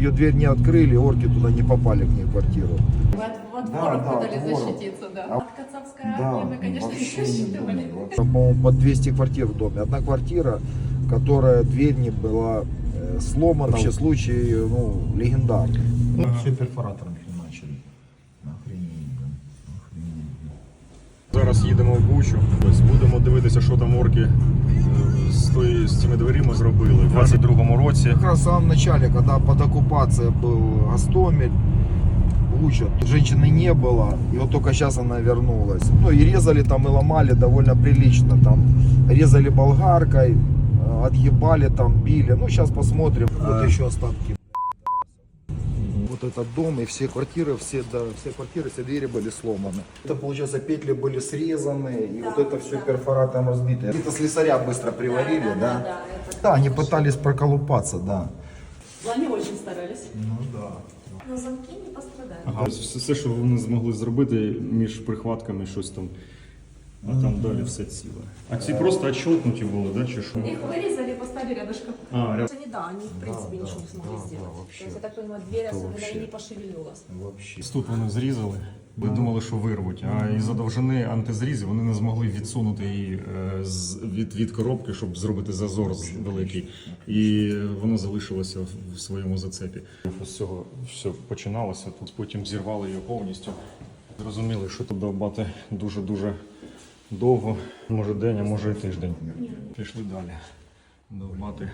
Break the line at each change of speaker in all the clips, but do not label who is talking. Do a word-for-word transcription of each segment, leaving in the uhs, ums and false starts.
ее дверь не открыли, орки туда не попали, к ней в квартиру.
Вы от, от
Да,
воров
да,
пытались
от воров.
защититься, да.
А-
От кацапской армии
Да,
мы, конечно, не
вообще не
засчитывали.
думаю. По-моему, под двести квартир в доме. Одна квартира, которая дверь не была э, сломана. Вообще случай, ну, легендарный.
Ну, все перфоратором начали. Охренеть, блин. Охренеть.
Зараз їдемо в Бучу. Ось будемо дивитися, що там орки е, з, тої, з цими дверима зробили. У двадцять другому році.
Как раз в самом начале, когда под оккупацией был Гостомель, Буча, женщины не было, и вот только сейчас она вернулась. Ну и резали там и ломали довольно прилично, там резали болгаркой, э, отъебали там, били. Ну сейчас посмотрим. Вот еще остатки. Вот этот дом и все квартиры, все, да, все квартиры, все двери были сломаны. Это, получается, петли были срезаны, и
Да,
вот это все
да.
перфоратором разбито. Это слесаря быстро приварили, да?
Да, да, да, это
Да, они
хорошо.
пытались проколупаться, да.
Они очень старались.
Ну да.
Но замки не пострадали.
Ага. Все, все, що вони змогли зробити між прихватками, щось там. А там далі все ціле. А ці просто отщолкнуті були, да, чи що?
Их вырезали и поставили рядышком.
А, ря-
Они, да, они в принципе
да,
ничего не смогли
да,
сделать.
да, вообще.
То есть, я так понимаю, дверь особенно
вообще.
и не пошевелилась.
Вообще.
Тут вони зрізали. Ми думали, що вирвуть, а із-за довжини антизрізів вони не змогли відсунути її е, з- від, від коробки, щоб зробити зазор з- великий. І воно залишилося в- в своєму зацепі. З цього все починалося, тут потім зірвали її повністю. Зрозуміли, що тут довбати дуже-дуже довго, може день, а може і тиждень. Пішли далі. Довбати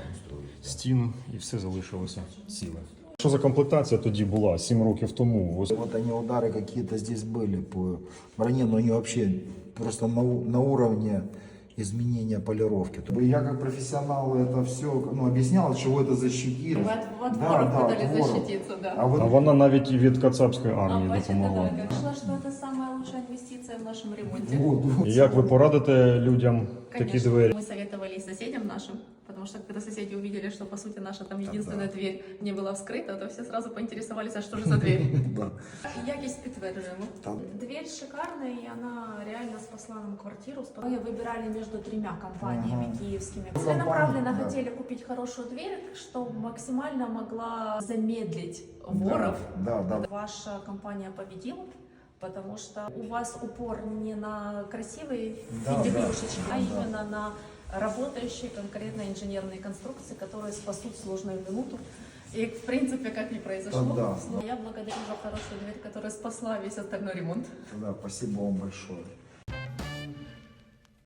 стіну і все залишилося ціле. Що за комплектація тоді була сім років тому? Ось
Вот они удары какие-то здесь были по броне, но они вообще просто на, у- на уровне изменения полировки. Я как профессионал это все ну, объяснял, чего это защитит.
Вы от, от
Да,
воров
да,
пытались
от воров.
защититься, да.
А вот
А вона навіть і від кацапської армії
А, бачите,
допомогла.
да, решила, что это самая лучшая инвестиция в нашем ремонте.
вот, вот.
І як ви порадите людям такі
Конечно,
двері?
мы советовали и соседям нашим, потому что когда соседи увидели, что по сути наша там единственная дверь не была вскрыта, то все сразу поинтересовались, а что же за дверь.
Да.
Якість підтверджуємо.
Там.
Дверь шикарная, и она реально спасла нам квартиру. Мы выбирали между тремя компаниями
Ага.
киевскими.
Ну,
Целенаправленно
компания, да.
хотели купить хорошую дверь, что максимально могла замедлить воров.
Да, да.
Ваша компания победила, потому что у вас упор не на красивые
Да, да.
игрушечки, а
Да.
именно на работающие конкретно инженерные конструкции, которые спасут сложную минуту. И в принципе, как не произошло,
Да, да.
я благодарю за хорошую дверь, которая спасла весь остальной ремонт.
Да, спасибо вам большое.